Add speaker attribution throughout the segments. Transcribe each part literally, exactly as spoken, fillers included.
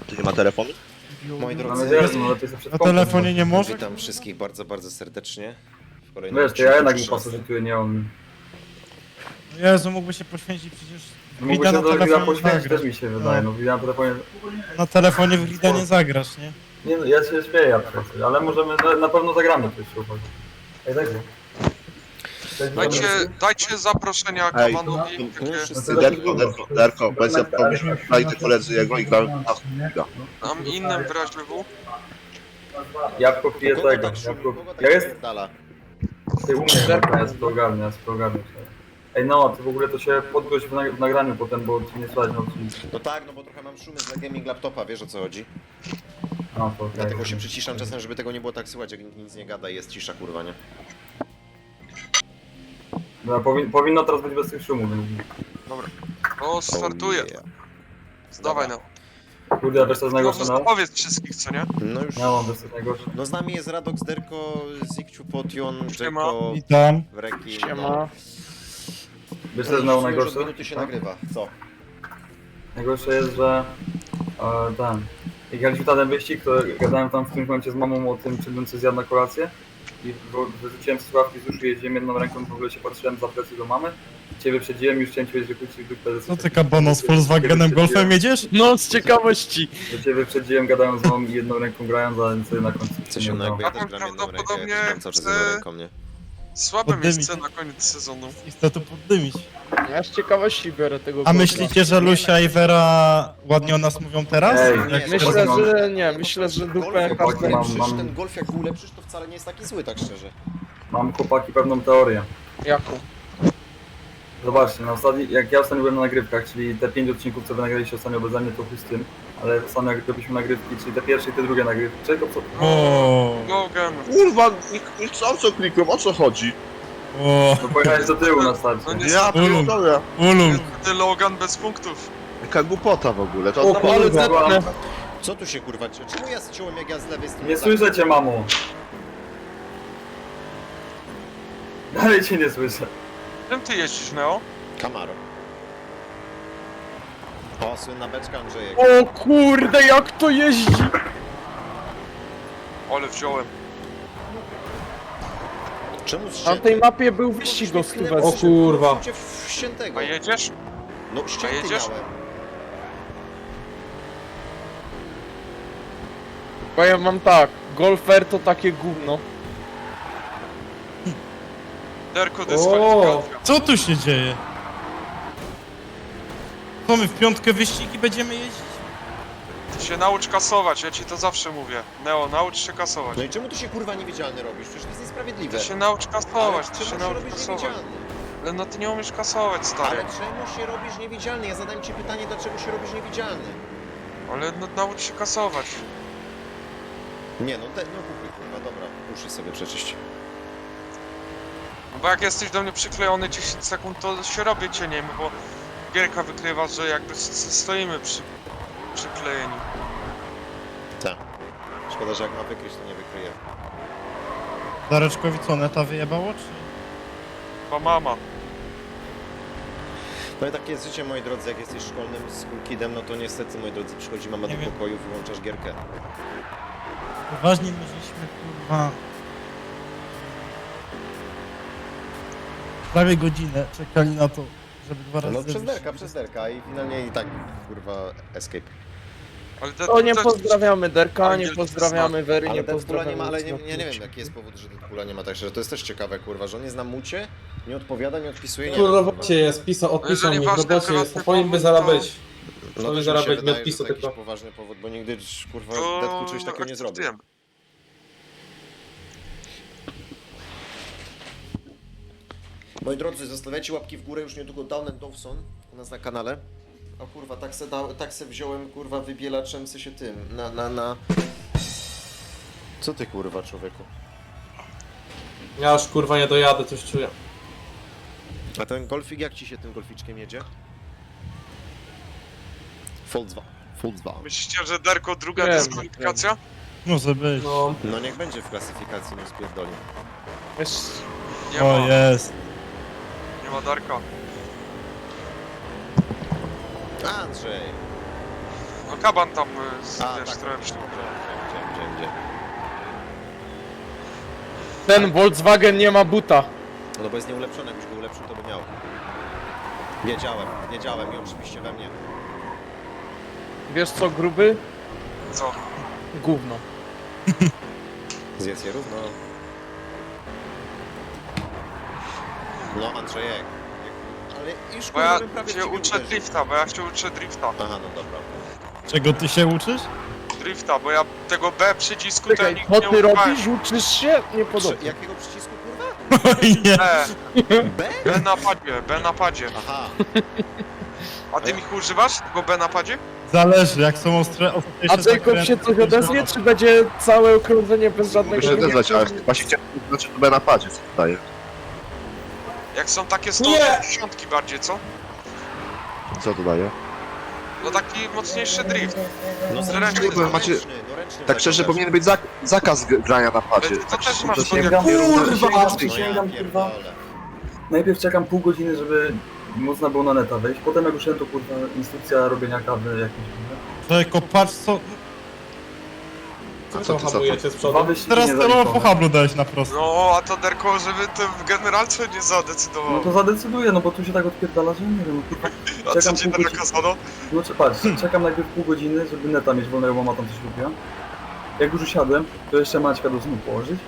Speaker 1: Tu nie ma telefonu?
Speaker 2: Moi
Speaker 3: Mam
Speaker 2: drodzy,
Speaker 3: nadzieję, że może to jest przed
Speaker 4: Na
Speaker 3: kompem.
Speaker 4: telefonie nie może?
Speaker 2: witam wszystkich bardzo, bardzo serdecznie. W kolejnym
Speaker 3: Wiesz, to ja jednak mu
Speaker 2: odcinku
Speaker 3: pasożytuję, nie on.
Speaker 4: Jezu, mógłby się poświęcić przecież.
Speaker 3: Mógłby
Speaker 4: Grida
Speaker 3: się
Speaker 4: na
Speaker 3: do Grida
Speaker 4: telefonie
Speaker 3: poświęcić,
Speaker 4: zagrasz.
Speaker 3: też mi się wydaje. No, Grida na telefonie...
Speaker 4: Na telefonie w Grida nie zagrasz, nie?
Speaker 3: Nie no, ja się śmieję, ja pracuję, ale możemy, na, na pewno zagramy coś się uchodzi. Ej, daj go.
Speaker 5: Dajcie, dajcie zaproszenia
Speaker 1: Ej,
Speaker 5: Kamanowi.
Speaker 2: No,
Speaker 5: Takie,
Speaker 2: wszyscy
Speaker 1: Derko, Derko, Derko, bez ja powiem, znajdę koledzy jego i grałem na chwilę.
Speaker 5: tam innym w razie W.
Speaker 3: Jabłko pije
Speaker 2: Kogo
Speaker 3: tego,
Speaker 2: tak szumi?
Speaker 3: jabłko...
Speaker 2: Kogo tak
Speaker 3: Ja jest...
Speaker 2: pierdala?
Speaker 3: Ty u mnie, dobra, ja sobie ogarnę, ja sobie ogarnę. Ej no, ty w ogóle to się podgłoś w, nag- w nagraniu potem, bo ci nie słychać, no ci...
Speaker 2: No tak, no bo trochę mam szumy z gaming laptopa, wiesz o co chodzi?
Speaker 3: A, to okej.
Speaker 2: Dlatego się przyciszam czasem, żeby tego nie było tak słychać, jak nikt nic nie gada i jest cisza, kurwa, nie?
Speaker 3: No, powin, powinno teraz być bez tych szumów, więc...
Speaker 5: O, startuje.
Speaker 2: Oh, yeah.
Speaker 5: Dawaj no.
Speaker 3: Kurde, a wiesz co jest
Speaker 5: No,
Speaker 3: najgorsze, no?
Speaker 5: powiedz wszystkich, co nie?
Speaker 2: No już...
Speaker 3: Ja mam wiesz co jest najgorsze.
Speaker 2: No z nami jest Radox, Derko, Zikciu, Potion,
Speaker 5: Siema.
Speaker 2: Jeko,
Speaker 4: Witam.
Speaker 2: Wreki,
Speaker 5: Siema.
Speaker 3: Wiesz co jest znowu
Speaker 2: Już od
Speaker 3: najgorsze?
Speaker 2: minuty się
Speaker 3: Tak?
Speaker 2: nagrywa, co?
Speaker 3: Najgorsze jest, że... E, ten... Jak jechaliśmy na ten wyścig, to gadałem tam w tym momencie z mamą o tym, czy bym coś zjadł na kolację. I bo wyrzuciłem słuchawki z uszu, jeździłem jedną ręką, w ogóle się patrzyłem za plecy do mamy. Ciebie przedziłem, już chciałem ci powiedzieć, że pójdź w dupę.
Speaker 4: Co ty, Kabono, z Volkswagenem Golfem jedziesz?
Speaker 6: No, z ciekawości.
Speaker 3: Do ciebie przedziłem, gadałem z mamą i jedną ręką grając, a nic sobie na końcu
Speaker 2: Co
Speaker 3: nie
Speaker 2: się no
Speaker 3: udało.
Speaker 2: jakby ja
Speaker 5: A
Speaker 2: też
Speaker 5: tam
Speaker 2: gram jedną rękę, ja
Speaker 5: prawdopodobnie
Speaker 2: też gram cały czas
Speaker 5: chce-
Speaker 2: jedną ręką, nie?
Speaker 5: Słabe
Speaker 4: Poddymić.
Speaker 5: miejsce na koniec sezonu.
Speaker 4: I chcę tu poddymić.
Speaker 6: Ja z ciekawości biorę tego
Speaker 4: A
Speaker 6: golfa.
Speaker 4: myślicie, że Lucia i Vera ładnie o nas mówią teraz?
Speaker 3: Ej,
Speaker 4: Jak
Speaker 2: nie,
Speaker 4: się
Speaker 6: Myślę,
Speaker 3: Mam-
Speaker 6: że nie, myślę, że dupę
Speaker 2: Golf, jak
Speaker 3: każdy- mam-
Speaker 2: ulepszysz,
Speaker 3: mam-
Speaker 2: ten golf jak go ulepszysz, to wcale nie jest taki zły, tak szczerze.
Speaker 3: Mam chłopaki pewną teorię.
Speaker 6: jaką?
Speaker 3: Zobaczcie, na ostatni, jak ja ostatnio byłem na nagrywkach, czyli te pięć odcinków, co wy nagraliście ostatnio beze mnie, to chuj z tym. Ale ostatnio jak robiliśmy nagrywki, czyli te pierwsze i te drugie nagrywki. Czego co?
Speaker 4: O,
Speaker 5: Logan.
Speaker 1: Kurwa, nie, nie chcą co klikłem, o co chodzi?
Speaker 4: o,
Speaker 3: No pojechałeś do tyłu na starcie.
Speaker 5: No nie,
Speaker 1: Ja pierdolę.
Speaker 4: ulum.
Speaker 5: niestety Logan bez punktów.
Speaker 1: Jaka głupota w ogóle, to
Speaker 6: O,
Speaker 1: no,
Speaker 6: ale
Speaker 3: kurwa.
Speaker 6: zetnę.
Speaker 2: Co tu się kurwa, czemu ja zciąłem jak ja z lewej strony?
Speaker 3: Nie słyszę cię, mamo. Dalej cię nie słyszę.
Speaker 5: Czym ty jeździsz, Neo?
Speaker 2: Camaro. O, słynna beczka Andrzejek.
Speaker 6: O kurde, jak to jeździ!
Speaker 5: Ale wziąłem.
Speaker 2: Czemu
Speaker 6: Na
Speaker 2: ścięty?
Speaker 6: tej mapie był wyścig o stówę.
Speaker 2: O kurwa. Ściętego.
Speaker 5: A jedziesz?
Speaker 2: No ścięty
Speaker 5: jedziesz?
Speaker 2: miałem.
Speaker 6: Powiem wam tak, golfer to takie gówno.
Speaker 5: Derko dyskwalifikacja.
Speaker 4: Co tu się dzieje? Co my w piątkę wyścigi będziemy jeździć?
Speaker 5: Ty się naucz kasować, ja ci to zawsze mówię. Neo, naucz się kasować.
Speaker 2: No i czemu tu się kurwa niewidzialny robisz? Przecież to jest niesprawiedliwe.
Speaker 5: Ty się naucz kasować,
Speaker 2: Ale
Speaker 5: ty
Speaker 2: czemu
Speaker 5: się naucz
Speaker 2: robisz
Speaker 5: kasować.
Speaker 2: niewidzialny?
Speaker 5: Ale no ty nie umiesz kasować, stary.
Speaker 2: Ale czemu się robisz niewidzialny? Ja zadałem ci pytanie, dlaczego się robisz niewidzialny?
Speaker 5: Ale no naucz się kasować.
Speaker 2: Nie no, te, no kupuj kurwa, dobra, uszy sobie przeczyść.
Speaker 5: Bo jak jesteś do mnie przyklejony dziesięć sekund, to się robię cieniem, bo gierka wykrywa, że jakby s- s- stoimy przy, przyklejeni.
Speaker 2: Tak. Szkoda, że jak ma wykryć, to nie wykryje.
Speaker 4: Dareczkowi co, neta wyjebało, czy?
Speaker 5: Chyba mama.
Speaker 2: No i takie jest życie, moi drodzy, jak jesteś szkolnym kidem, no to niestety, moi drodzy, przychodzi mama
Speaker 4: Nie
Speaker 2: do
Speaker 4: wiem.
Speaker 2: pokoju, wyłączasz gierkę.
Speaker 4: Poważnie my żeśmy, kurwa... Prawie godzinę czekali na to, żeby dwa razy...
Speaker 2: No przez
Speaker 4: wyjść.
Speaker 2: derka, przez derka i finalnie i tak, kurwa, escape.
Speaker 5: Ale te,
Speaker 6: O, nie
Speaker 5: te-
Speaker 6: pozdrawiamy Derka, nie
Speaker 5: Angielski
Speaker 6: pozdrawiamy Wery,
Speaker 2: Ale
Speaker 6: nie
Speaker 2: Deadpoola nie
Speaker 6: pozdrawiamy.
Speaker 2: ma, ale nie,
Speaker 6: nic
Speaker 2: ja nie
Speaker 6: na
Speaker 2: wiem jaki jest powód, że Deadpoola nie ma, także to jest też ciekawe, kurwa, że on jest na mucie, nie odpowiada, nie odpisuje, nie
Speaker 7: Tu w
Speaker 2: wiem,
Speaker 7: robocie jest, pisał, odpisał
Speaker 5: Jeżeli
Speaker 7: mi, w
Speaker 5: ważny
Speaker 7: robocie jest,
Speaker 5: prywatny
Speaker 7: to powinien by
Speaker 5: powód,
Speaker 7: zaraz
Speaker 5: to-
Speaker 7: być.
Speaker 2: No
Speaker 7: To
Speaker 2: też mi
Speaker 7: zaraz
Speaker 2: się
Speaker 7: będzie
Speaker 2: wydaje, że
Speaker 7: odpisu
Speaker 2: to jakiś
Speaker 7: tylko.
Speaker 2: poważny powód, bo nigdy, kurwa,
Speaker 5: to
Speaker 2: Deadpool czegoś takiego nie zrobił.
Speaker 5: akceptujemy.
Speaker 2: Moi drodzy, zostawiajcie łapki w górę, już niedługo Down and Dawson u nas na kanale. O kurwa, tak se, da, tak se wziąłem, kurwa, wybielaczem se się tym, na, na, na... Co ty, kurwa, człowieku?
Speaker 7: Ja już kurwa nie dojadę, coś czuję.
Speaker 2: A ten golfik, jak ci się tym golficzkiem jedzie? Volkswagen. Volkswagen.
Speaker 5: Myślicie, że Derko druga
Speaker 6: Wiem,
Speaker 5: dyskwalifikacja?
Speaker 4: Może być.
Speaker 7: No,
Speaker 2: No niech będzie w klasyfikacji, no spierdoli.
Speaker 6: Wiesz,
Speaker 5: Nie
Speaker 4: O,
Speaker 5: ma,
Speaker 4: jest.
Speaker 5: nie ma Darka.
Speaker 2: Andrzej!
Speaker 5: No kaban tam, y, z,
Speaker 2: A,
Speaker 5: wiesz,
Speaker 2: tak,
Speaker 5: trochę
Speaker 2: tak,
Speaker 5: przy...
Speaker 2: widziałem, widziałem, widziałem, widziałem.
Speaker 6: Ten Volkswagen nie ma buta.
Speaker 2: No bo jest nieulepszony, jakbyś go ulepszył, to by miał. Wiedziałem, wiedziałem i oczywiście we mnie.
Speaker 6: Wiesz co, gruby?
Speaker 5: Co?
Speaker 6: Gówno.
Speaker 2: Zjedz je równo. No Andrzejek. Ale już
Speaker 5: Bo ja
Speaker 2: bym prawie w
Speaker 5: się
Speaker 2: ciebie
Speaker 5: uczę
Speaker 2: uderzył.
Speaker 5: drifta, bo ja się uczę drifta.
Speaker 2: Aha, no dobra.
Speaker 4: Czego ty się uczysz?
Speaker 5: Drifta, bo ja tego B przycisku to ja
Speaker 6: Czekaj,
Speaker 5: nigdy
Speaker 6: co
Speaker 5: nie
Speaker 6: ty
Speaker 5: używałem.
Speaker 6: robisz? Uczysz się? Nie
Speaker 2: Prze-
Speaker 6: podoba.
Speaker 2: jakiego przycisku kurwa?
Speaker 4: Oj nie.
Speaker 5: B,
Speaker 2: B?
Speaker 5: B na padzie, B na padzie.
Speaker 2: Aha.
Speaker 5: A ty Michu używasz tego B na padzie?
Speaker 4: Zależy, jak są ostre...
Speaker 6: A
Speaker 4: ostrzejsze
Speaker 6: Jacob się
Speaker 4: zakręty,
Speaker 6: coś
Speaker 4: to
Speaker 6: odezwie, czy będzie całe okrążenie bez
Speaker 1: Mogę
Speaker 6: żadnego...
Speaker 1: się odezwać, ale właśnie chciałem, znaczy to B na padzie, co daje.
Speaker 5: Jak są takie sto
Speaker 7: Nie!
Speaker 5: osiemdziesiąt bardziej, co?
Speaker 1: Co to daje?
Speaker 5: No taki mocniejszy drift.
Speaker 2: No
Speaker 5: Zręczny,
Speaker 2: zręczny,
Speaker 1: no macie-
Speaker 2: ręczny, no ręczny
Speaker 1: Tak szczerze,
Speaker 2: zakładasz.
Speaker 1: powinien być zak zakaz g- grania na padzie.
Speaker 5: Ale to
Speaker 1: Tak
Speaker 5: też
Speaker 1: szczerze,
Speaker 5: masz
Speaker 1: to nie-
Speaker 3: Sięgam,
Speaker 7: Kurwa!
Speaker 3: sięgam,
Speaker 2: No ja
Speaker 3: sięgam, kurwa.
Speaker 2: pierdolę.
Speaker 3: Najpierw czekam pół godziny, żeby można było na neta wejść, potem jak usiądę, to kurwa instrukcja robienia kawy jakieś. kurwa.
Speaker 4: Jacob, patrz co...
Speaker 1: A
Speaker 7: Co
Speaker 1: co
Speaker 7: to
Speaker 1: ty za to?
Speaker 7: hamujecie z
Speaker 3: Dwa
Speaker 7: przodu?
Speaker 3: wyścigi
Speaker 4: Teraz to po
Speaker 3: niezaliczone.
Speaker 4: hablu dałeś na prosto.
Speaker 5: No, a to Derko, żeby to w generalce nie
Speaker 3: No
Speaker 5: zadecydował.
Speaker 3: to zadecyduję, no bo tu się tak odpierdala, że nie wiem, kurwa.
Speaker 5: A co
Speaker 3: czekam
Speaker 5: ci
Speaker 3: pół godziny.
Speaker 5: nakazano?
Speaker 3: No czy patrz, czekam najpierw pół godziny, żeby neta mieć wolnego, bo mama tam coś lubiła. Jak już usiadłem, to jeszcze Maćka do snu położyć.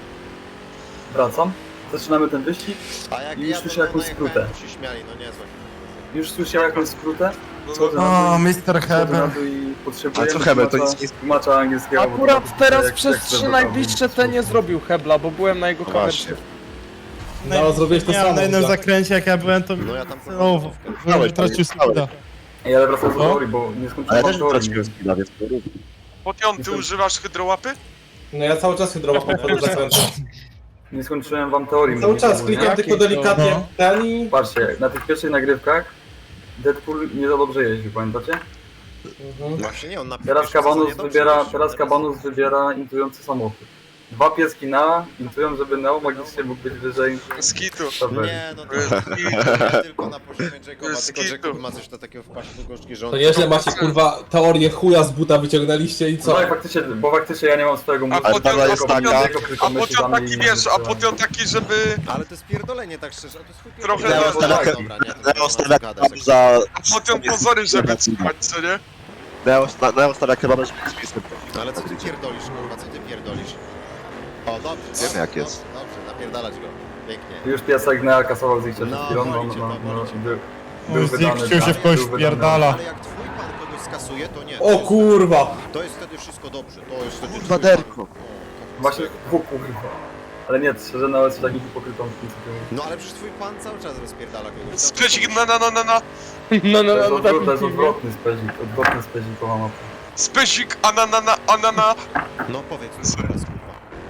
Speaker 3: Wracam, zaczynamy ten wyścig,
Speaker 2: A jak
Speaker 3: I już
Speaker 2: ja
Speaker 3: słyszę
Speaker 2: to
Speaker 3: jakąś
Speaker 2: najechałem,
Speaker 3: skrótę.
Speaker 2: to się śmiali, no niezłe.
Speaker 3: już słyszę jakąś skrótę,
Speaker 5: No,
Speaker 3: schodzę
Speaker 5: no,
Speaker 3: na
Speaker 4: O,
Speaker 3: dół,
Speaker 4: mister
Speaker 3: schodzę na
Speaker 4: Heber.
Speaker 3: dół i potrzebuję
Speaker 1: A co Heber, to
Speaker 3: tłumacza-
Speaker 1: nic nie...
Speaker 3: tłumacza angielskiego. bo to
Speaker 6: Akurat
Speaker 3: tak,
Speaker 6: teraz
Speaker 3: jak-
Speaker 6: przez
Speaker 3: jak
Speaker 6: trzy
Speaker 3: chcę,
Speaker 6: najbliższe
Speaker 3: to-
Speaker 6: te nie zrobił hebla, bo byłem na jego
Speaker 1: No
Speaker 6: kamerce.
Speaker 1: właśnie.
Speaker 7: No, zrobiłeś to
Speaker 4: Nie,
Speaker 7: samo.
Speaker 4: na jednym
Speaker 7: tak.
Speaker 4: zakręcie jak ja byłem, to...
Speaker 2: No ja tam
Speaker 4: O,
Speaker 2: próbowałem.
Speaker 4: w- tracił speeda.
Speaker 3: Ej, ale wracając do
Speaker 4: Co?
Speaker 3: teorii, bo nie
Speaker 1: Ale
Speaker 3: skończyłem
Speaker 1: też
Speaker 3: teorii.
Speaker 1: traciłem skilla, więc to rób.
Speaker 5: Potion, ty używasz hydrołapy?
Speaker 7: No ja cały czas hydrowa po wchodzę zakrętu.
Speaker 3: Nie skończyłem wam teorii.
Speaker 7: Cały
Speaker 3: mówię,
Speaker 7: czas
Speaker 3: bo-
Speaker 7: klikam
Speaker 6: Jakie
Speaker 7: tylko
Speaker 6: to?
Speaker 7: delikatnie
Speaker 4: No.
Speaker 7: ten i...
Speaker 3: Patrzcie, na tych pierwszych nagrywkach Deadpool nie za dobrze jeździł, pamiętacie?
Speaker 7: Mhm.
Speaker 2: Właśnie nie, on na
Speaker 3: Teraz
Speaker 2: pierwszym
Speaker 3: Kabanus
Speaker 2: sezonie dobrze
Speaker 3: wybiera,
Speaker 2: jeździł,
Speaker 3: teraz Kabanus wybiera intujący samochód. Dwa pieski na intują, żeby Neo magicznie mógł być wyżej.
Speaker 5: Skitu.
Speaker 2: Nie, no to
Speaker 5: Skitu.
Speaker 2: nie tylko na poziomie Jacoba,
Speaker 5: Skitu.
Speaker 2: tylko Jacob ma coś do takiego wpaść do gorzki, że on...
Speaker 7: To nieźle macie kurwa teorię chuja z buta wyciągnęliście i co?
Speaker 3: No i faktycznie, bo faktycznie ja nie mam swojego mózgu.
Speaker 5: A potem,
Speaker 1: dobra
Speaker 5: a
Speaker 1: jest
Speaker 5: potem,
Speaker 1: taka-
Speaker 5: a potem taki wiesz, a potem taki, żeby...
Speaker 2: Ale to jest pierdolenie, tak szczerze, a to jest chuj
Speaker 5: Trochę
Speaker 2: pierdolenie.
Speaker 5: na-
Speaker 2: Dobra,
Speaker 1: na-
Speaker 2: dobra, nie, to
Speaker 1: Neo
Speaker 2: nie
Speaker 1: stawia
Speaker 2: ma co gadać,
Speaker 1: kebab za...
Speaker 5: A potem pozory, żeby słuchać, co nie?
Speaker 1: Neo sta- Neo stawia kebaba, żeby z miejscem.
Speaker 2: Ale co ty pierdolisz, kurwa, co ty pierdolisz? O, dobrze,
Speaker 1: Wiemy,
Speaker 2: dobrze,
Speaker 1: jak jest.
Speaker 2: Dobrze, dobrze, napierdalać go. Pięknie.
Speaker 3: Już piesek Neo kasował z ich przed
Speaker 2: No,
Speaker 3: chwilą, no,
Speaker 2: boli cię
Speaker 3: no,
Speaker 2: to,
Speaker 3: no,
Speaker 2: boli cię.
Speaker 3: był,
Speaker 4: O,
Speaker 3: był wydany.
Speaker 4: Zikciu się w kość
Speaker 3: był wydany.
Speaker 4: spierdala.
Speaker 2: Ale jak twój pan kogoś skasuje, to nie. To
Speaker 7: O
Speaker 2: jest,
Speaker 7: kurwa!
Speaker 2: to jest wtedy wszystko dobrze, to jest wtedy
Speaker 1: Kurwa,
Speaker 2: twój pan.
Speaker 1: Derko.
Speaker 2: O,
Speaker 3: Właśnie, o kurwa. Ale nie, szczerze Neo jest takim hipokrytą w tym sytuacji.
Speaker 2: No ale przecież twój pan cały czas rozpierdala kogoś.
Speaker 5: Specik na na na na na.
Speaker 6: No, no,
Speaker 3: To jest,
Speaker 6: no,
Speaker 3: odwrot, to jest
Speaker 6: definitywnie.
Speaker 3: odwrotny spezik, odwrotny spezikowa mapa.
Speaker 5: Specik ananana anana.
Speaker 2: No powiedz mi teraz, kurwa.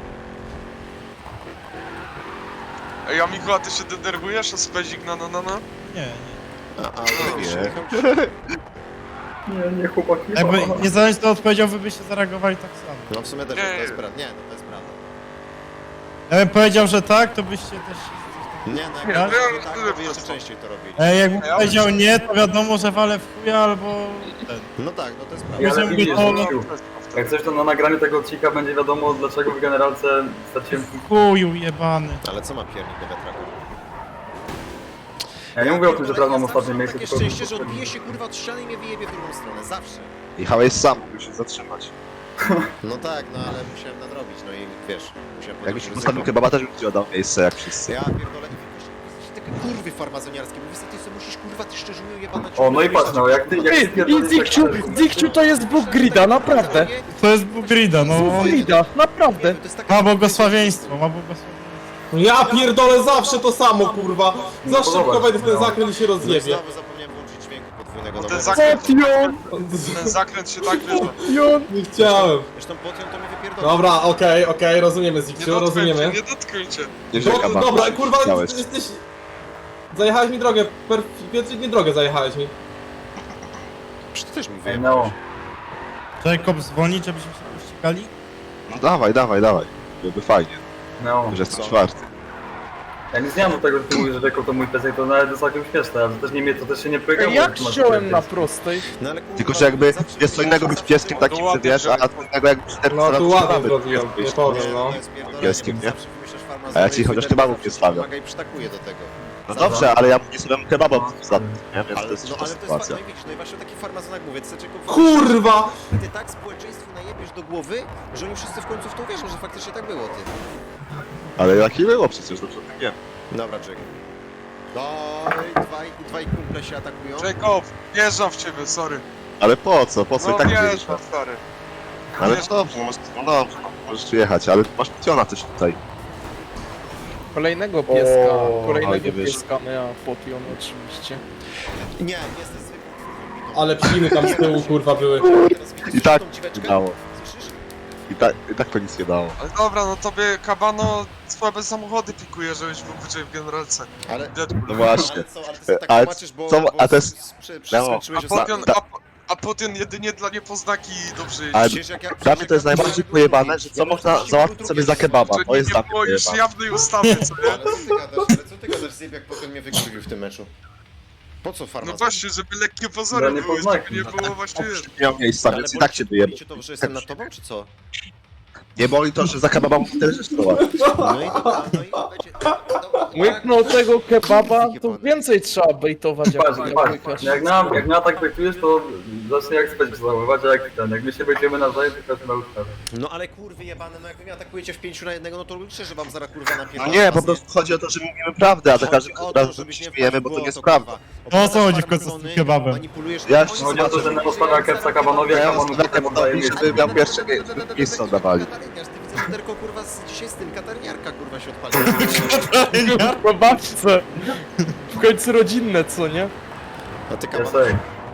Speaker 5: Ej, a Michu, a ty się denerwujesz? A specik na na na na?
Speaker 4: Nie, nie.
Speaker 2: A, a,
Speaker 1: Nie.
Speaker 3: Nie, nie chłopaki.
Speaker 4: Jakby
Speaker 3: mama.
Speaker 4: niezależnie od odpowiedzią, wy byście zareagowali tak samo.
Speaker 2: No w sumie też
Speaker 5: Nie,
Speaker 2: to jest
Speaker 5: nie.
Speaker 2: prawda. Nie, no to jest prawda.
Speaker 4: Ja bym powiedział, że tak, to byście też...
Speaker 2: Nie, no
Speaker 5: Ja-
Speaker 2: jak
Speaker 5: ja-
Speaker 2: ja, tak, to by jeszcze częściej to robili.
Speaker 4: E, jakbym powiedział nie, to wiadomo, że walę w chuja albo... ten.
Speaker 2: No tak, no to jest
Speaker 3: Ja
Speaker 2: prawda.
Speaker 3: ale
Speaker 4: Możemy
Speaker 3: widzisz,
Speaker 4: to-
Speaker 3: Zikciu, jak coś to na nagraniu tego odcinka będzie wiadomo, dlaczego w generalce straciłem...
Speaker 4: Chuju jebany.
Speaker 2: Ale co ma piernik do wiatraku?
Speaker 3: Ja nie mówię o tym, że teraz mam ostatnie
Speaker 2: Takie
Speaker 3: miejsce, tylko...
Speaker 2: szczęście, że odbije się kurwa od ściany i mnie wyjebie w drugą stronę, zawsze.
Speaker 1: Jechałeś sam, musisz się zatrzymać.
Speaker 2: No tak, no ale musiałem nadrobić, no i wiesz, musiałem
Speaker 1: Jakbyś
Speaker 2: podjąć
Speaker 1: postawił
Speaker 2: ryzyko.
Speaker 1: kebaba, też bym ci oddał miejsce jak wszyscy.
Speaker 2: Ja pierdolę, i wiesz, jesteście takie kurwy farmazoniarskie, mówisz, ty sobie musisz kurwa, ty szczerze jebana
Speaker 3: O, no i patrz, no, jak ty... Jak ty
Speaker 6: Ty, i
Speaker 3: pierdolisz,
Speaker 6: Zikciu,
Speaker 3: tak-
Speaker 6: Zikciu to jest Bóg grida, naprawdę.
Speaker 4: To jest Bugrida, no.
Speaker 6: Bóg grida, naprawdę.
Speaker 2: To jest taka-
Speaker 4: Ma błogosławieństwo, ma błogosławieństwo.
Speaker 7: No ja pierdolę zawsze to samo kurwa! Za
Speaker 3: No,
Speaker 7: szybko
Speaker 3: zobacz,
Speaker 7: wejdę w ten
Speaker 3: no.
Speaker 7: zakręt i się
Speaker 2: No i
Speaker 7: rozjebie.
Speaker 2: znowu zapomniałem włączyć dźwięku podwójnego
Speaker 5: Bo ten
Speaker 2: dobrego.
Speaker 5: zakręt,
Speaker 6: Potion,
Speaker 5: ten zakręt się tak wyża.
Speaker 6: potion.
Speaker 7: Nie chciałem.
Speaker 2: Zresztą potem to mi wypierdolę.
Speaker 7: Dobra, okej, okej, rozumiemy
Speaker 5: Nie
Speaker 7: Zikciu,
Speaker 5: dotknijcie,
Speaker 7: rozumiemy.
Speaker 5: nie dotknijcie.
Speaker 1: Nie
Speaker 7: Do,
Speaker 1: rzeka,
Speaker 7: dobra, kurwa,
Speaker 1: Chciałeś.
Speaker 7: jesteś... Zajechałeś mi drogę, per... Pietrzyk, nie drogę zajechałeś mi.
Speaker 2: Przecież ty też mi
Speaker 3: Ej,
Speaker 2: wyjebałeś.
Speaker 3: Neo,
Speaker 4: Jacob dzwoni, żebyśmy się pościgali?
Speaker 1: No dawaj, dawaj, dawaj. Byłoby fajnie,
Speaker 3: Neo.
Speaker 1: że jestem
Speaker 2: Co?
Speaker 1: czwarty.
Speaker 3: Ja nic nie mam do tego, że ty mówisz, że Jacob to mój piesek, to nawet jest całkiem śmieszne, ale to też nie mnie, to też się nie projektuje.
Speaker 6: Jak wziąłem na prostej?
Speaker 2: No ale kurwa,
Speaker 1: Tylko, że jakby
Speaker 2: zawsze
Speaker 1: jest co innego być pieskiem takim, że wiesz, a co innego jak być cztery
Speaker 7: No tu ładnie
Speaker 1: mamy
Speaker 7: zrobiłem, nie powiem, no.
Speaker 1: pieskiem, nie? A ja ci chociaż kebabów nie stawiam.
Speaker 2: I przytakuje do tego.
Speaker 1: No dobrze, ale ja nie sobie kebaba za tym, nie? Więc
Speaker 2: Ale,
Speaker 1: to jest
Speaker 2: no
Speaker 1: trudna
Speaker 2: ale to jest
Speaker 1: sytuacja.
Speaker 2: fakt, no i widzisz, no i właśnie o takich farmazonach mówię, ty tylko
Speaker 7: Kurwa!
Speaker 2: ty tak społeczeństwu najebiesz do głowy, że oni wszyscy w końcu w to uwierzą, że faktycznie tak było, ty.
Speaker 1: Ale jaki było przecież, dobrze tak wiem.
Speaker 2: Dobra, Jack. No i dwaj, dwaj kumple się atakują.
Speaker 5: Jacob, wjeżdżam w ciebie, sorry.
Speaker 1: Ale po co? Po co
Speaker 5: No
Speaker 1: i tak wiesz?
Speaker 5: wjeżdżam, stary.
Speaker 1: Ale no dobrze, no, możesz- no dobrze, no, możesz tu jechać, ale masz piciona też tutaj.
Speaker 6: Kolejnego pieska,
Speaker 3: O,
Speaker 1: ale
Speaker 6: kolejnego
Speaker 1: nie wiesz.
Speaker 6: pieska, no ja potion oczywiście.
Speaker 2: Nie, jesteś zwykłym.
Speaker 7: Ale psiny tam z tyłu kurwa były.
Speaker 2: Teraz widzisz
Speaker 1: I tak
Speaker 2: tą dziweczkę?
Speaker 1: dało.
Speaker 2: Słyszysz?
Speaker 1: I tak, I tak to nic nie dało.
Speaker 5: Ale dobra, no tobie Kabano słabe samochody pikuje, żebyś był wyżej w generalce.
Speaker 2: Ale...
Speaker 5: Deadpool.
Speaker 1: No właśnie.
Speaker 2: Ale co, ale ty sobie tak
Speaker 1: Ale
Speaker 2: tłumaczysz, bo...
Speaker 1: co-
Speaker 2: bo
Speaker 1: a to jest-
Speaker 2: s- prze-
Speaker 5: A
Speaker 2: przeskoczyłeś ostatnio.
Speaker 5: potion,
Speaker 1: ta-
Speaker 5: a, a potion jedynie dla niepoznaki dobrze jeździ.
Speaker 1: Ale
Speaker 2: Przecież jak ja-
Speaker 1: dla mnie to jest
Speaker 2: jak ja-
Speaker 1: najbardziej pojebane, że co można załatwić sobie za kebaba.
Speaker 5: Że
Speaker 1: To jest
Speaker 5: nie,
Speaker 1: dla
Speaker 5: nie
Speaker 1: mnie
Speaker 5: było już
Speaker 1: pojebane.
Speaker 5: jawnej ustawy, co nie?
Speaker 2: Ale co ty gadasz, ale co ty gadasz, Zjeb, jak potem mnie wykurwił w tym meczu? Po co
Speaker 5: No
Speaker 2: farmazon?
Speaker 5: właśnie, żeby lekkie
Speaker 3: Dla
Speaker 5: pozory były,
Speaker 3: niepoznaki.
Speaker 5: żeby nie było właśnie...
Speaker 1: Miał miejsca,
Speaker 2: Ale
Speaker 1: więc i
Speaker 2: boli
Speaker 1: tak
Speaker 2: cię-
Speaker 1: się wyjebał.
Speaker 2: boli cię to, że jestem nad tobą, czy co?
Speaker 1: Nie boli to, że za kebaba muszę tyle rzeczy załatwić.
Speaker 2: No i dobra, no i będzie... Dobra,
Speaker 6: Łyknął tego kebaba, to więcej trzeba bejtować jak
Speaker 3: Patrz,
Speaker 6: jak
Speaker 3: patrz,
Speaker 6: łykasz.
Speaker 3: jak na, jak na tak projektujesz, to zacznie jak spać zachowywać, a jak ten, jak my się będziemy nawzajem, to każdy na ustawę.
Speaker 2: No ale kurwy jebane, no jak wy mnie atakujecie w pięciu na jednego, no to liczę, że wam zaraz kurwa
Speaker 1: No
Speaker 2: napierdolę.
Speaker 1: nie, po prostu chodzi o to, że mówimy prawdę, a za każdym razem się śmiejemy, bo to nie jest prawda.
Speaker 4: No o co chodzi w końcu z tym kebabem?
Speaker 2: Manipulujesz...
Speaker 1: Ja
Speaker 2: Oni
Speaker 1: się
Speaker 2: są-
Speaker 3: Chodzi o to, że na postawia Kepsa Kabanowi, a
Speaker 1: Ja
Speaker 3: Kabanu
Speaker 1: mam
Speaker 3: potem oddaje
Speaker 1: taką
Speaker 3: miejsce.
Speaker 1: żeby miał pierwsze mie- miejsce oddawali.
Speaker 2: Katarniarz, ty widzę, że tylko kurwa z dzisiaj z tym katarniarka kurwa się odpalił.
Speaker 6: Po babce. W końcu rodzinne, co nie?
Speaker 2: A ty
Speaker 3: Ja
Speaker 2: kaban...
Speaker 3: sobie.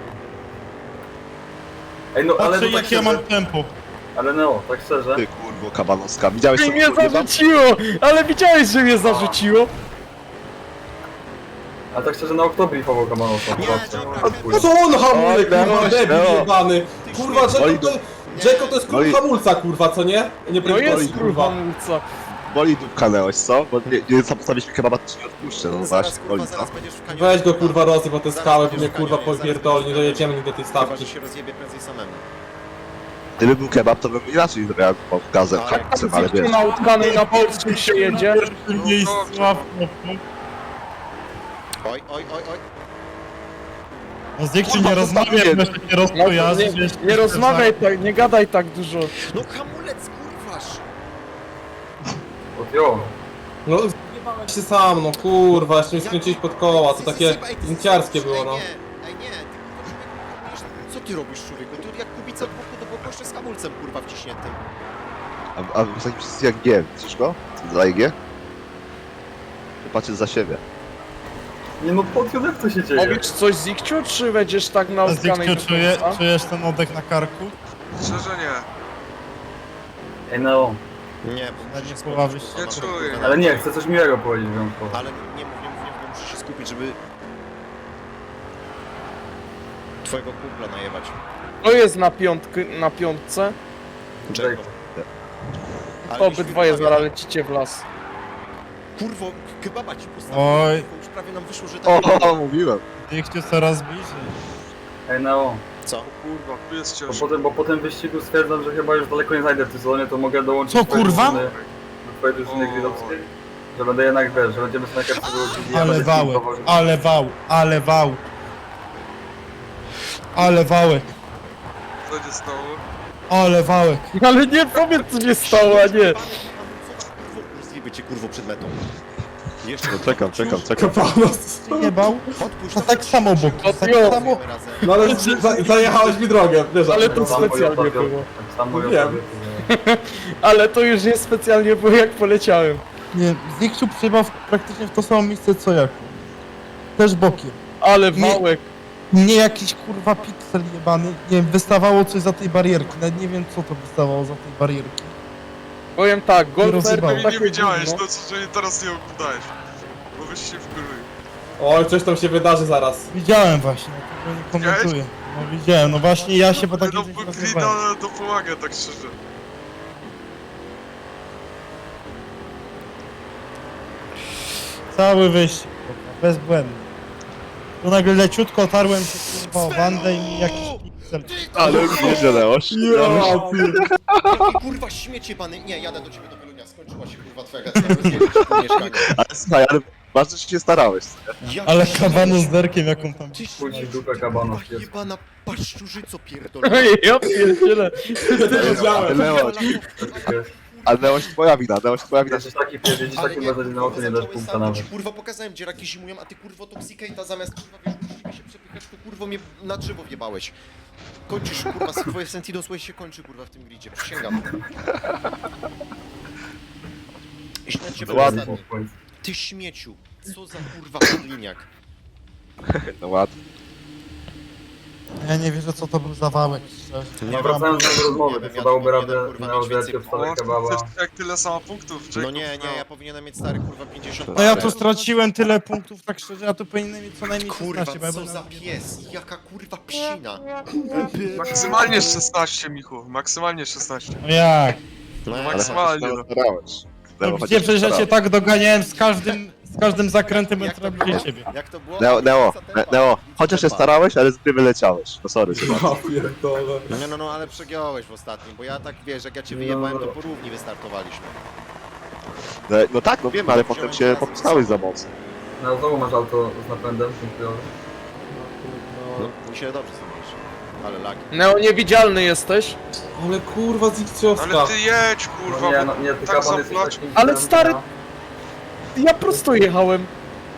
Speaker 3: Ej no, ale
Speaker 4: Patrzę
Speaker 3: no tak
Speaker 4: jak ja mam
Speaker 3: szczerze,
Speaker 4: tempo.
Speaker 3: ale no, tak szczerze.
Speaker 1: Ty kurwo kabanowska, widziałeś
Speaker 6: Ty
Speaker 1: co
Speaker 6: mnie
Speaker 1: kurwa?
Speaker 6: zarzuciło! Ale widziałeś, że mnie zarzuciło?
Speaker 3: Ale tak szczerze na oktobri chował Kabanosa.
Speaker 2: Nie, dobra,
Speaker 7: No co on hamulek,
Speaker 1: O,
Speaker 7: kurwa,
Speaker 1: no,
Speaker 7: debil
Speaker 1: no.
Speaker 7: jebany. Kurwa, Jacob to... Jacob to jest
Speaker 1: No i-
Speaker 7: kurwa hamulca, kurwa, co nie? Nie
Speaker 6: No
Speaker 7: prędkości,
Speaker 6: jest kurwa mulca.
Speaker 1: Boli dupkanęłeś, co? Bo nie, nie postawić mi kebaba, to ci nie odpuszczę, no
Speaker 2: Zaraz
Speaker 1: właśnie,
Speaker 2: kurwa,
Speaker 1: boli, co?
Speaker 2: zaraz będziesz w kanionie.
Speaker 7: Weź go kurwa rozsyp po te
Speaker 2: Zaraz
Speaker 7: skały, bo
Speaker 2: będziesz
Speaker 7: mnie
Speaker 2: w
Speaker 7: kurwa
Speaker 2: kanionie, zaraz
Speaker 7: popierdoli, nie
Speaker 2: będziesz-
Speaker 7: dojedziemy nigdy do tej
Speaker 2: Chyba,
Speaker 7: stawki.
Speaker 2: że się rozjebie prędzej samemu.
Speaker 1: Gdyby był kebab, to bym inaczej reagował gazem,
Speaker 2: Ale-
Speaker 1: hamulcem, ale wiesz.
Speaker 6: Na utkanej na polskim się jedzie.
Speaker 4: Miejsca w
Speaker 2: Oj, oj, oj, oj.
Speaker 4: No z Zikciu
Speaker 1: Kurwa,
Speaker 4: nie
Speaker 1: to
Speaker 4: rozmawiaj,
Speaker 1: tak
Speaker 4: bo
Speaker 1: jest.
Speaker 4: się nie
Speaker 6: No,
Speaker 4: rozpojazdzi.
Speaker 6: nie, nie rozmawiaj tak, nie gadaj tak dużo.
Speaker 2: No hamulec, kurwasz!
Speaker 3: Odjął.
Speaker 7: No, zjebałeś się sam, no kurwa, jeszcze mi skręciłeś pod koła, to takie linciarskie było, no.
Speaker 2: Ej, nie, ej, nie, ty kurwa człowieku hamujesz. Co ty robisz, człowieku? Ty jak kubica od boku do boku jeszcze z hamulcem, kurwa, wciśniętym.
Speaker 1: A, a w takim wszyscy jak G, widzisz go? Co za G? Patrzysz za siebie.
Speaker 3: Nie no, podjął jak to się dzieje?
Speaker 6: Powiesz coś Zikciu, czy będziesz tak na utkanej
Speaker 4: Zikciu,
Speaker 6: do
Speaker 4: czuje,
Speaker 6: końca?
Speaker 4: czujesz ten oddech na karku?
Speaker 5: Szczerze nie.
Speaker 3: Ej no,
Speaker 2: Nie, bo
Speaker 4: Ja
Speaker 2: muszę
Speaker 4: nie
Speaker 2: się
Speaker 4: poławisz
Speaker 2: skupić,
Speaker 5: się.
Speaker 2: bo
Speaker 5: Nie
Speaker 2: mam-
Speaker 5: czuję.
Speaker 3: ale nie, chcę coś miłego powiedzieć wyjątkowo.
Speaker 2: Ale nie mów, nie mów, nie mów, bo muszę się skupić, żeby... Twojego kumpla najebać.
Speaker 6: To jest na piątky, na piątce.
Speaker 2: Jacob. Ale
Speaker 6: To
Speaker 2: byś
Speaker 6: obydwoje
Speaker 2: mi
Speaker 6: zaraz lecicie w las.
Speaker 2: Kurwo, kebaba ci postawiłem.
Speaker 4: Oj.
Speaker 2: Kurwo, już prawie nam wyszło, że tak...
Speaker 1: O, o, mówiłem.
Speaker 4: Zikciu coraz bliżej.
Speaker 3: Ej no,
Speaker 2: Co?
Speaker 5: Kurwa, tu jest
Speaker 3: bo
Speaker 5: ciężko.
Speaker 3: potem, bo po tym wyścigu stwierdzam, że chyba już daleko nie znajdę w tym sezonie, to mogę dołączyć
Speaker 4: Co,
Speaker 3: do twojej
Speaker 4: kurwa?
Speaker 3: drużyny- do twojej drużyny
Speaker 5: O.
Speaker 3: grillowskiej. Że będę jednak, wiesz, że będziemy sobie na Kepsa wychodzili, ja
Speaker 4: Ale
Speaker 3: będę
Speaker 4: wałek,
Speaker 3: filmował.
Speaker 4: ale wał, ale wał. Ale wałek,
Speaker 5: Co się stało?
Speaker 4: ale wałek.
Speaker 6: Ale nie powiedz co się stało, a nie.
Speaker 2: Zjebie cię, kurwo, przed metą. Jeszcze
Speaker 1: No czekam, czekam, czekam.
Speaker 7: Kapanos.
Speaker 4: Nie bał?
Speaker 2: Odpuść,
Speaker 4: To tak samo obok,
Speaker 6: No
Speaker 4: tak
Speaker 6: jo.
Speaker 4: samo.
Speaker 2: razem.
Speaker 7: No ale za, zajechałeś mi drogę, wiesz,
Speaker 6: Ale to
Speaker 3: Tak samo
Speaker 6: specjalnie
Speaker 3: ja
Speaker 6: było.
Speaker 3: Tak samo ja
Speaker 7: Wiem.
Speaker 3: powiem.
Speaker 6: Ale to już nie specjalnie było jak poleciałem.
Speaker 4: Nie, Zikciu przyjechał w- praktycznie w to samo miejsce co ja. Też bokiem.
Speaker 6: Ale
Speaker 4: Nie.
Speaker 6: wałek.
Speaker 4: Nie jakiś kurwa piksel jebany. Nie wiem, wystawało coś za tej barierki. Nawet nie wiem co to wystawało za tej barierki.
Speaker 6: Powiem tak, golfer
Speaker 4: rozjebał.
Speaker 6: to
Speaker 5: Nie,
Speaker 6: takie
Speaker 5: nie wiedziałeś,
Speaker 6: gówno.
Speaker 5: no co, że mnie teraz nie oglądałeś. Bo byś się wkurzył.
Speaker 7: Oj, coś tam się wydarzy zaraz.
Speaker 4: Widziałem właśnie, tego nie komentuję. No widziałem, no właśnie ja się po takim
Speaker 5: No,
Speaker 4: czymś
Speaker 5: bo
Speaker 4: rozmawiałem.
Speaker 5: Grida to pomaga, tak szczerze.
Speaker 4: Cały wyścig, kurwa, bezbłędny. Tu nagle leciutko otarłem się kurwa o bandę i mi jakiś piksel.
Speaker 1: Ale nie Leoś.
Speaker 2: Jaki kurwa śmiecie pany. Nie, jadę do ciebie do Wielunia, skończyła się kurwa twoja gatka, rozjeżdżę ci pół mieszkania.
Speaker 1: Ale słuchaj, ale ważne, że się starałeś, co nie?
Speaker 2: Jak
Speaker 4: Ale
Speaker 2: ty
Speaker 4: kabanu z derkiem jaką tam...
Speaker 2: Ty
Speaker 3: Chuj ci w dupę kabana.
Speaker 2: kurwa jebana paszczurzyco pierdolona.
Speaker 6: Ja pierdzielę.
Speaker 1: Ale Leoś, ale Leoś twoja wina, Leoś twoja wina.
Speaker 3: Jesteś taki pierdzieć,
Speaker 2: Ale
Speaker 3: taki
Speaker 2: nie,
Speaker 3: bardzo na oczy nie dasz
Speaker 2: zacząłeś
Speaker 3: punkta
Speaker 2: sam, bo
Speaker 3: nawet.
Speaker 2: ci kurwa pokazałem, gdzie raki zimują, a ty kurwo toksikate'a zamiast kurwa wiesz, musimy się przepychać, to kurwo mnie na drzewo wjebałeś. Kończysz kurwa, twoje Sentido Sway się kończy kurwa w tym gridzie, przysięgam. Źle cię
Speaker 1: Ładnie.
Speaker 2: ostatni. Ty śmieciu, co za kurwa podliniak.
Speaker 1: No ładnie.
Speaker 4: Ja nie wierzę co to był za wałek, szczerze.
Speaker 3: No wracając do rozmowy,
Speaker 2: Nie wiem,
Speaker 3: to
Speaker 2: ja
Speaker 3: dałoby
Speaker 2: tu
Speaker 3: radę
Speaker 2: powinienem, kurwa,
Speaker 3: na
Speaker 2: mieć
Speaker 3: odwiedzcie
Speaker 2: więcej-
Speaker 3: w stole kebaba.
Speaker 5: Też jak tyle samo punktów,
Speaker 2: No
Speaker 5: Jacob,
Speaker 2: nie, nie, ja powinienem mieć stary kurwa pięćdziesiąt
Speaker 4: No ja
Speaker 2: parę.
Speaker 4: tu straciłem tyle punktów, tak szczerze, ja tu powinienem mieć co najmniej
Speaker 2: Kurwa,
Speaker 4: szesnaście, bo ja
Speaker 2: co
Speaker 4: bym
Speaker 2: za pies, jaka kurwa psina.
Speaker 5: Maksymalnie szesnaście, Michu, maksymalnie szesnaście.
Speaker 4: No jak?
Speaker 2: No
Speaker 1: Ale
Speaker 2: jak?
Speaker 5: Maksymalnie,
Speaker 1: chociaż
Speaker 5: no.
Speaker 1: się starałeś.
Speaker 4: No
Speaker 1: Leo,
Speaker 4: gdzie
Speaker 1: chociaż się
Speaker 4: przecież ja cię
Speaker 1: starałeś.
Speaker 4: tak doganiałem z każdym, z każdym zakrętem,
Speaker 2: Jak
Speaker 4: jak
Speaker 2: to
Speaker 4: robię
Speaker 2: było?
Speaker 4: ciebie.
Speaker 2: Jak to było?
Speaker 1: Neo, Neo,
Speaker 2: Tempa,
Speaker 1: Ne- Neo, chociaż się
Speaker 2: tempa.
Speaker 1: starałeś, ale z gry wyleciałeś. No sorry, Sebastian.
Speaker 7: Ja pierdolę.
Speaker 2: No, no, no, ale przegiąłeś w ostatnim, bo ja tak, wiesz, jak ja cię
Speaker 3: No.
Speaker 2: wyjebałem, to po równi wystartowaliśmy.
Speaker 1: No, no tak, no wiem, ale potem się popchnąłeś za mocno.
Speaker 3: No znowu masz auto z napędem, dziękuję.
Speaker 2: No, mi się dobrze zrobisz. Ale lagi.
Speaker 6: Neo, niewidzialny jesteś.
Speaker 7: Ale kurwa Zikciowska.
Speaker 5: Ale ty jedź,
Speaker 3: No
Speaker 5: kurwa,
Speaker 3: nie,
Speaker 5: bo
Speaker 3: no, nie, ty
Speaker 5: tak
Speaker 3: kaban jesteś
Speaker 5: zaplacz.
Speaker 3: takim...
Speaker 6: Ale stary- Ja prosto jechałem.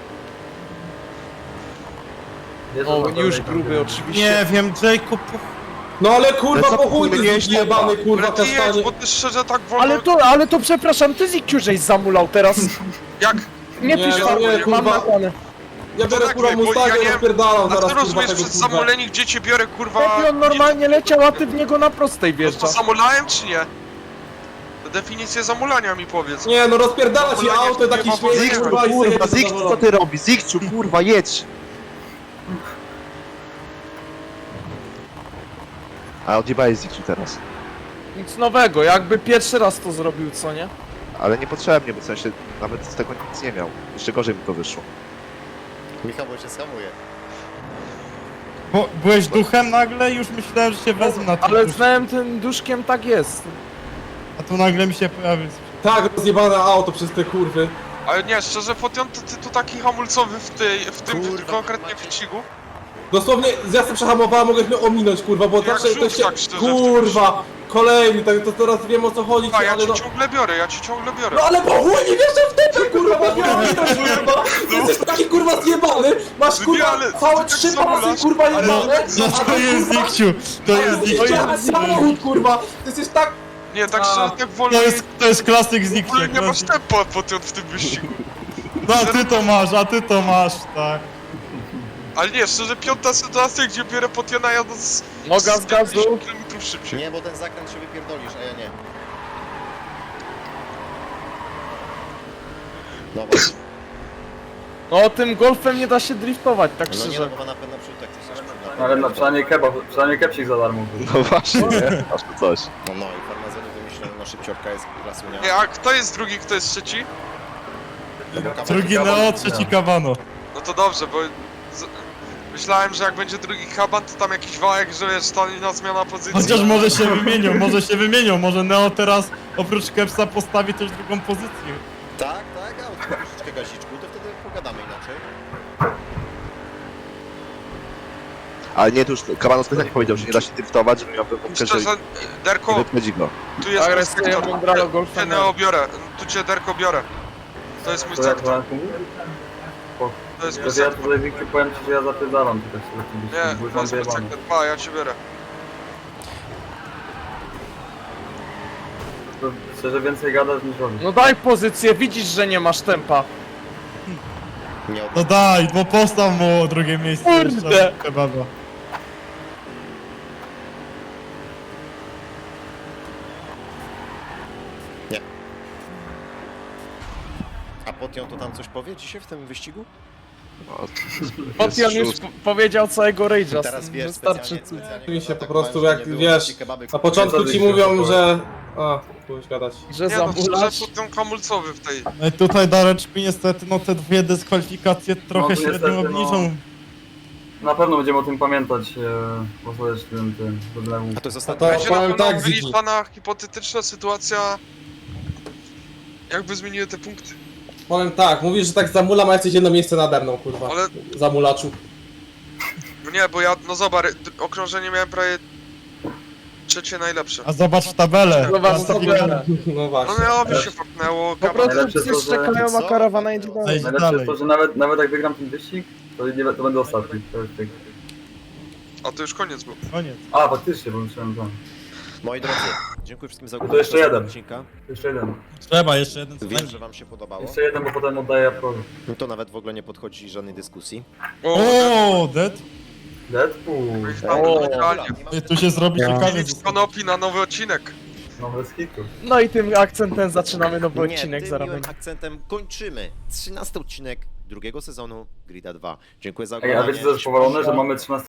Speaker 3: Wiesz,
Speaker 6: O,
Speaker 3: że
Speaker 6: już
Speaker 3: na pewno
Speaker 6: gruby
Speaker 3: tam-
Speaker 6: oczywiście.
Speaker 4: Nie wiem, Jacob,
Speaker 7: No ale
Speaker 1: Ale
Speaker 7: kurwa
Speaker 1: co
Speaker 7: po chuj
Speaker 1: ty
Speaker 7: ty
Speaker 1: miałeś
Speaker 7: jebany kurwa
Speaker 5: Ale ty jedź,
Speaker 7: kasztanie.
Speaker 5: bo ty szczerze tak wolno...
Speaker 6: Ale to, ale to przepraszam, ty Zikciu żeś zamulał teraz.
Speaker 5: Jak?
Speaker 6: Nie
Speaker 7: Nie,
Speaker 6: pisz
Speaker 7: no
Speaker 6: tam,
Speaker 7: nie,
Speaker 6: mam
Speaker 7: kurwa.
Speaker 6: nagrane.
Speaker 7: Ja
Speaker 5: To
Speaker 7: biorę
Speaker 5: tak,
Speaker 7: kurwa
Speaker 5: bo ja
Speaker 7: Mustangę
Speaker 5: nie
Speaker 7: i
Speaker 5: wiem-
Speaker 7: rozpierdalam
Speaker 5: A
Speaker 7: zaraz
Speaker 5: ty
Speaker 7: kurwa
Speaker 5: rozumiesz
Speaker 7: tego
Speaker 5: przez
Speaker 7: kurwa.
Speaker 5: zamulenie, gdzie cię biorę, kurwa...
Speaker 6: Chłopie, on normalnie leciał, a ty w niego na prostej
Speaker 5: No to
Speaker 6: wjeżdżasz.
Speaker 5: zamulałem, czy nie? To definicję zamulania mi powiedz.
Speaker 7: Nie no rozpierdala ci
Speaker 5: Kurwa, nie,
Speaker 7: auto, taki
Speaker 5: nie,
Speaker 7: śmiech
Speaker 5: nie,
Speaker 7: kurwa i
Speaker 1: Kurwa,
Speaker 7: sobie
Speaker 1: Zikciu, co ty robisz? Zikciu, kurwa, jedź! A odjebałeś Zikciu teraz.
Speaker 6: Nic nowego, jakby pierwszy raz to zrobił, co nie?
Speaker 1: Ale niepotrzebnie, bo w sensie nawet z tego nic nie miał. Jeszcze gorzej mi to wyszło.
Speaker 2: Michał, bo się schamuje.
Speaker 4: bo byłeś duchem nagle i już myślałem, że się wezmę na
Speaker 6: Ale
Speaker 4: tym,
Speaker 6: znałem tym duszkiem, tak jest.
Speaker 4: a tu nagle mi się pojawił.
Speaker 7: Tak rozjebane auto przez te kurwy.
Speaker 5: Ale nie, szczerze, Potion, to ty tu taki hamulcowy w, tej, w tym
Speaker 2: Kurwa,
Speaker 5: konkretnie
Speaker 2: macie-
Speaker 5: wyścigu?
Speaker 7: Dosłownie ja sobie przehamowałem, mogłeś mnie ominąć kurwa, bo
Speaker 5: Jak
Speaker 7: zawsze
Speaker 5: żółw,
Speaker 7: to się...
Speaker 5: tak szczerze,
Speaker 7: Kurwa, kolejny, tak to teraz wiem o co chodzi,
Speaker 5: A ja
Speaker 7: ale
Speaker 5: cię
Speaker 7: no...
Speaker 5: ciągle biorę, ja cię ciągle biorę.
Speaker 7: No ale po chuj nie wierzę w tebe kurwa, masz mnie ominąć kurwa! Ty jesteś taki kurwa zjebany, masz kurwa
Speaker 5: ale-
Speaker 7: całe
Speaker 5: ty
Speaker 7: trzy
Speaker 5: tak
Speaker 7: pasy
Speaker 5: zamulasz.
Speaker 7: kurwa
Speaker 5: Ale-
Speaker 7: jebane,
Speaker 4: No
Speaker 7: a
Speaker 4: to
Speaker 7: ty,
Speaker 4: jest
Speaker 7: kurwa,
Speaker 4: Zikciu, to
Speaker 7: a
Speaker 4: jest
Speaker 7: ty
Speaker 4: Zikciu.
Speaker 7: jesteś samochód kurwa, ty jesteś tak...
Speaker 5: Nie, tak
Speaker 7: A.
Speaker 5: szczerze, tak wolno...
Speaker 4: To jest, to jest klasyk
Speaker 5: W
Speaker 4: Zikciu.
Speaker 5: ogóle nie masz
Speaker 4: klasyk.
Speaker 5: tempa, Potion, w tym wyścigu.
Speaker 4: No a ty to masz, a ty to masz, tak.
Speaker 5: Ale nie, szczerze, piąta sytuacja, gdzie biorę Potiona, jadę z...
Speaker 6: Noga z gazu.
Speaker 5: pięćdziesiąt kilometrów szybciej.
Speaker 2: Nie, bo ten zakręt się wypierdolisz, a ja nie. Dobra.
Speaker 6: No tym golfem nie da się driftować, tak
Speaker 2: No nie, no
Speaker 6: szczerze.
Speaker 2: bo ma napęd naprzód, tak coś
Speaker 3: Ale na przynajmniej kebab, przynajmniej kepsik za darmo był.
Speaker 1: No właśnie, nie? Aż to coś.
Speaker 2: No, no i farmazony wymyślony, no szybciorka jest klasunia.
Speaker 5: Nie, a kto jest drugi, kto jest trzeci?
Speaker 4: Drugi Neo, trzeci Kabano.
Speaker 5: No to dobrze, bo... Z... Myślałem, że jak będzie drugi kaban, to tam jakiś wałek, że wiesz, to na zmiana pozycji.
Speaker 4: Chociaż może się wymienią, może się wymienią, może Neo teraz oprócz Kepsa postawi też drugą pozycję.
Speaker 2: Tak, tak, a od troszeczkę gaziczku, to wtedy pogadamy inaczej.
Speaker 1: Ale nie, to już Kabano specjalnie powiedział, że nie da się driftować, żeby miał pewną że
Speaker 5: Szczerze,
Speaker 1: nie
Speaker 5: Derko,
Speaker 1: wypędzi go.
Speaker 5: tu jest mój
Speaker 6: Agresję
Speaker 5: sektor.
Speaker 6: Mondralo
Speaker 5: Cię
Speaker 6: golfem.
Speaker 5: Neo biorę, tu cię Derko biorę. To jest mój
Speaker 3: To jak
Speaker 5: sektor,
Speaker 3: Franku mówi?
Speaker 5: to jest mój
Speaker 3: To ja
Speaker 5: sektor.
Speaker 3: tutaj Wikciu powiem ci, że ja zapierdalam tutaj sobie w tym
Speaker 5: Nie,
Speaker 3: wyścigu, bo już
Speaker 5: to
Speaker 3: mam
Speaker 5: jest mój
Speaker 3: wyjebane.
Speaker 5: sektor. Pa, ja cię biorę.
Speaker 3: To szczerze więcej gadasz niż robisz.
Speaker 6: No daj pozycję, widzisz, że nie masz tempa.
Speaker 2: Nie
Speaker 4: No daj, bo postaw mu drugie miejsce.
Speaker 6: Kurde.
Speaker 4: jeszcze Kebaba.
Speaker 2: A Potion to tam coś powie dzisiaj w tym wyścigu?
Speaker 1: No,
Speaker 6: Potion już
Speaker 1: szósty.
Speaker 6: po- powiedział całego rage'a.
Speaker 2: Teraz wiesz,
Speaker 6: Wystarczy.
Speaker 2: specjalnie, specjalnie
Speaker 7: Oczywiście,
Speaker 2: kurwa,
Speaker 7: po prostu
Speaker 2: tak
Speaker 7: jak
Speaker 2: powiem, że nie
Speaker 7: wiesz,
Speaker 2: było kebaby,
Speaker 7: Na początku ci
Speaker 3: Zgadza się,
Speaker 7: mówią,
Speaker 3: to
Speaker 7: że... A, pójść gadać.
Speaker 6: Że
Speaker 5: Nie no,
Speaker 6: zamulać.
Speaker 5: szczerze, ten hamulcowy w tej.
Speaker 4: No i tutaj Dareczku niestety, no te dwie dyskwalifikacje trochę
Speaker 3: No,
Speaker 4: średnio
Speaker 3: niestety, no.
Speaker 4: obniżą.
Speaker 3: Na pewno będziemy o tym pamiętać, e, pozwolić tym, tym, problemom.
Speaker 2: A to jest
Speaker 7: A
Speaker 2: ostatni
Speaker 7: to
Speaker 5: Będzie na
Speaker 7: powiem
Speaker 5: pewno
Speaker 7: tak, Ziggy.
Speaker 5: wyliczana hipotetyczna sytuacja, jakby zmieniły te punkty.
Speaker 7: Powiem tak, mówisz, że tak zamulam, a jesteś jedno miejsce nade mną, kurwa.
Speaker 5: Ale
Speaker 7: Zamulaczu.
Speaker 5: no nie, bo ja, no zobacz, d- okrążenie miałem prawie trzecie najlepsze.
Speaker 4: A zobacz w tabelę.
Speaker 6: Zobacz w tabelę.
Speaker 7: No
Speaker 5: No
Speaker 7: właśnie.
Speaker 5: miało mi się faknęło,
Speaker 6: Po
Speaker 5: gama.
Speaker 6: prostu
Speaker 3: Najlepsze
Speaker 6: wszyscy
Speaker 3: to, że-
Speaker 6: czekają, a
Speaker 2: Co?
Speaker 6: karawana jedzie dalej.
Speaker 4: Ej,
Speaker 3: Najlepsze
Speaker 4: dalej.
Speaker 3: jest to, że nawet, nawet jak wygram ten wyścig, to, nie, to będę ostatni. To jest tak.
Speaker 5: A to już koniec był.
Speaker 4: Koniec.
Speaker 3: A, faktycznie, bo myślałem tam.
Speaker 2: Moi drodzy, dziękuję wszystkim za
Speaker 3: No to
Speaker 2: oglądanie
Speaker 3: jeszcze
Speaker 2: tego
Speaker 3: jeden.
Speaker 2: odcinka.
Speaker 3: Jeszcze jeden.
Speaker 4: Trzeba jeszcze jeden
Speaker 2: Wiem,
Speaker 4: spędzić.
Speaker 2: że wam się podobało.
Speaker 3: Jeszcze jeden, bo potem oddaję Approvi.
Speaker 2: To nawet w ogóle nie podchodzi żadnej dyskusji.
Speaker 5: O,
Speaker 4: O, Dead.
Speaker 3: Deadpool.
Speaker 5: tam
Speaker 6: O.
Speaker 5: idealnie.
Speaker 4: Ej, tu się zrobi ciekawie.
Speaker 5: Filip Konopi na nowy odcinek.
Speaker 3: Nowe z hitu.
Speaker 6: No i tym akcentem zaczynamy nowy
Speaker 2: Nie,
Speaker 6: odcinek
Speaker 2: tym
Speaker 6: za
Speaker 2: miłym
Speaker 6: ramieniem.
Speaker 2: akcentem kończymy trzynasty odcinek drugiego sezonu Grida dwa. Dziękuję za
Speaker 3: Ej,
Speaker 2: oglądanie.
Speaker 3: a wiecie co jest powalone, że mamy trzynasty